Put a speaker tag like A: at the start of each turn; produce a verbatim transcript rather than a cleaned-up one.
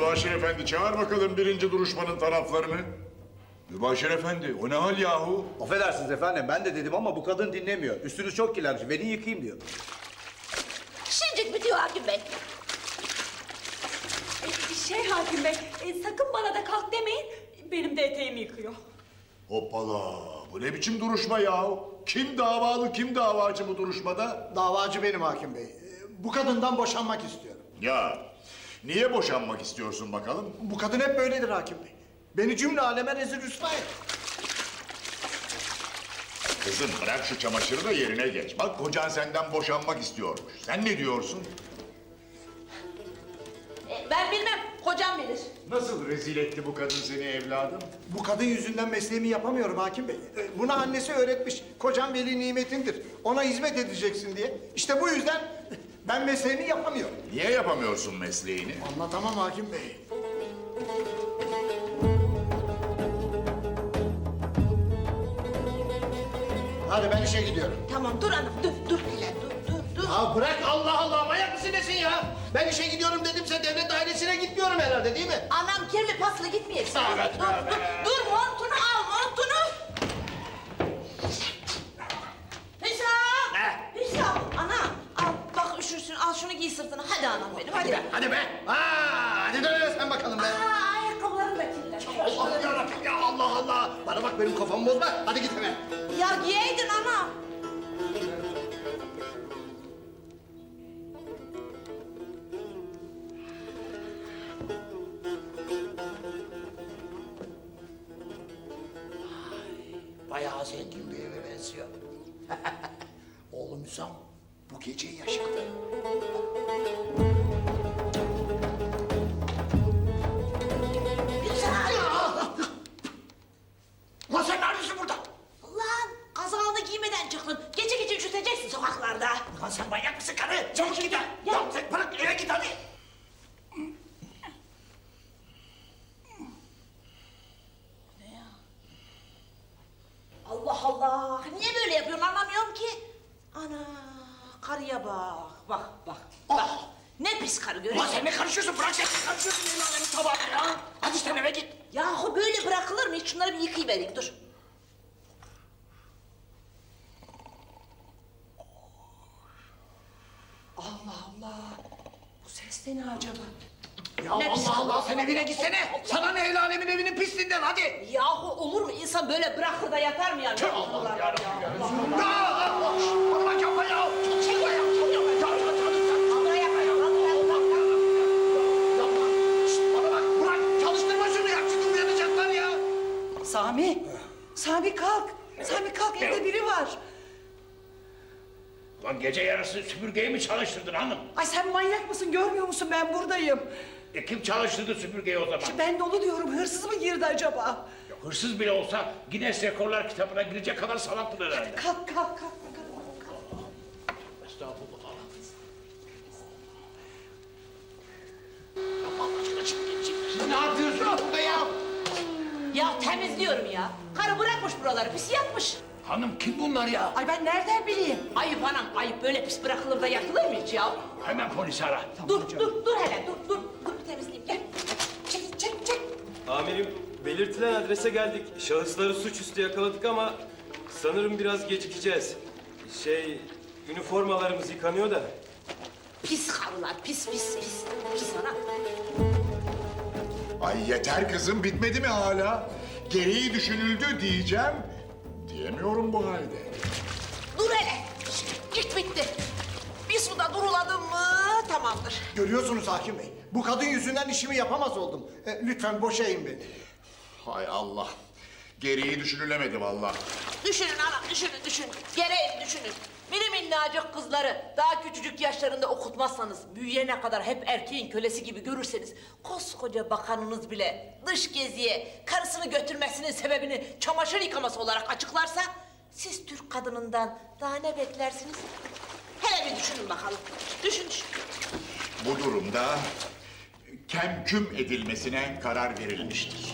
A: Mübaşir Efendi, çağır bakalım birinci duruşmanın taraflarını. Mübaşir Efendi, o ne hal yahu?
B: Affedersiniz efendim, ben de dedim ama bu kadın dinlemiyor. Üstünüz çok kirlenmiş, beni yıkayayım diyor.
C: Şimdicik bitiyor hakim bey.
D: E, Şey hakim bey, e, sakın bana da kalk demeyin. Benim de eteğimi yıkıyor.
A: Hoppala, bu ne biçim duruşma yahu? Kim davalı, kim davacı bu duruşmada?
E: Davacı benim hakim bey. Ee, Bu kadından boşanmak istiyorum.
A: Ya, niye boşanmak istiyorsun bakalım?
E: Bu kadın hep böyledir hakim bey. Beni cümle aleme rezil rüsva et.
A: Kızım bırak şu çamaşırı da yerine geç. Bak kocan senden boşanmak istiyormuş. Sen ne diyorsun?
C: E, ben bilmem, kocam bilir.
A: Nasıl rezil etti bu kadın seni evladım?
E: Bu kadın yüzünden mesleğimi yapamıyorum hakim bey. Ee, Buna annesi öğretmiş. Kocam veli nimetindir. Ona hizmet edeceksin diye. İşte bu yüzden ben mesleğimi yapamıyorum.
A: Niye yapamıyorsun mesleğini?
E: Anlatamam hakim bey. Hadi ben işe gidiyorum.
C: Tamam dur hanım, dur, dur hele, dur, dur, dur.
E: Ya bırak Allah Allah, manyak mısın nesin ya? Ben işe gidiyorum dedimse devlet dairesine gitmiyorum herhalde değil mi?
C: Anam kirli paslı gitmeyesin.
E: Evet,
C: dur,
E: evet.
C: dur, dur, montunu al, montunu. Hüsam!
E: Ne?
C: Hüsam, anam, al, bak üşürsün, al şunu giy sırtına. Hadi anam benim, hadi.
E: Hadi be, hadi be. Aa, hadi dön sen bakalım be.
C: Aa, ayakkabıların da kirlenmiş.
E: Allah yarabbim ya, Allah Allah. Bana bak, benim kafamı bozma. Hadi git hemen.
C: Ya giyeydin anam.
E: Bayağı zengin bir eve benziyor. Oğlum Hüsam, bu gece yaşadı.
C: Hüsam!
E: Lan sen neredesin burada?
C: Lan kazağını giymeden çıktın. Gece gece üşüteceksin sokaklarda.
E: Lan sen manyak mısın karı? Çabuk git ya.
C: Ya.
E: Lan sen bırak, eve git hadi.
C: Allah Allah! Niye böyle yapıyorsun anlamıyorum ki. Ana karıya bak, bak, bak, bak. Ne pis karı görüyor
E: Lan
C: musun?
E: sen ne karışıyorsun? Bırak sen karışıyorsun el alemin tabağına ya. Hadi sen eve git.
C: Yahu böyle bırakılır mı? Hiç şunları bir yıkayıvereyim, dur.
D: Allah Allah. Bu ses de ne acaba?
E: Ya
C: Ne pis
E: Allah Allah,
C: Allah,
E: sen evine gitsene. Sana ne el alemin evinin pisliğinden, hadi.
C: Yahu olur mu? İnsan böyle bırakır da yatar mı yani?
E: Tüh, Allah yarabbim ya. Ya Allah! Bana bak yapma ya.
C: Çek ya, çek ya. Kaldıra yapma ya, kaldıra yapma.
E: Yapma. Şişt, bana bak, bırak. Çalıştırma şunu ya. Şimdi uyanacaklar ya.
D: Sami, Sami kalk. Sami kalk, evde biri var.
F: Lan gece yarısı süpürgeyi mi çalıştırdın hanım?
D: Ay sen manyak mısın, görmüyor musun ben buradayım.
F: E kim çalıştırdı süpürgeyi o zaman?
D: İşte ben de onu diyorum, hırsız mı girdi acaba?
F: Ya hırsız bile olsa Guinness Rekorlar kitabına girecek kadar salaktır herhalde.
D: Kalk, kalk, kalk bakalım.
F: Estağfurullah.
E: Allah aşkına çık git çık. Ne yapıyorsun burada ya?
C: Ya temizliyorum ya. Karı bırakmış buraları, pis yapmış.
F: Hanım kim bunlar ya?
D: Ay ben nereden bileyim?
C: Ayıp anam, ayıp. Böyle pis bırakılır da yakılır mı hiç ya?
F: Hemen polisi ara.
C: Dur, dur, dur hele, dur, dur. Dur bir temizleyeyim, gel. Çek, çek, çek.
G: Amirim, belirtilen adrese geldik. Şahısları suçüstü yakaladık ama sanırım biraz gecikeceğiz. Şey, üniformalarımız yıkanıyor da.
C: Pis karılar, pis, pis, pis. Pis anam.
A: Ay yeter kızım, bitmedi mi hala? Gereği düşünüldü diyeceğim. Diyemiyorum bu halde.
C: Dur hele. Git bitti. Bir suda duruladım mı tamamdır.
E: Görüyorsunuz hakim bey. Bu kadın yüzünden işimi yapamaz oldum. E, lütfen boşayın beni.
A: Hay Allah. Gereği düşünülemedi vallahi.
C: Düşünün anam, düşünün, düşünün. Gereğini düşünün. Mini minnacık kızları daha küçücük yaşlarında okutmazsanız, büyüyene kadar hep erkeğin kölesi gibi görürseniz, koskoca bakanınız bile dış geziye karısını götürmesinin sebebini çamaşır yıkaması olarak açıklarsa, siz Türk kadınından daha ne beklersiniz? Hele bir düşünün bakalım. Düşün, düşün.
A: Bu durumda kemküm edilmesine karar verilmiştir.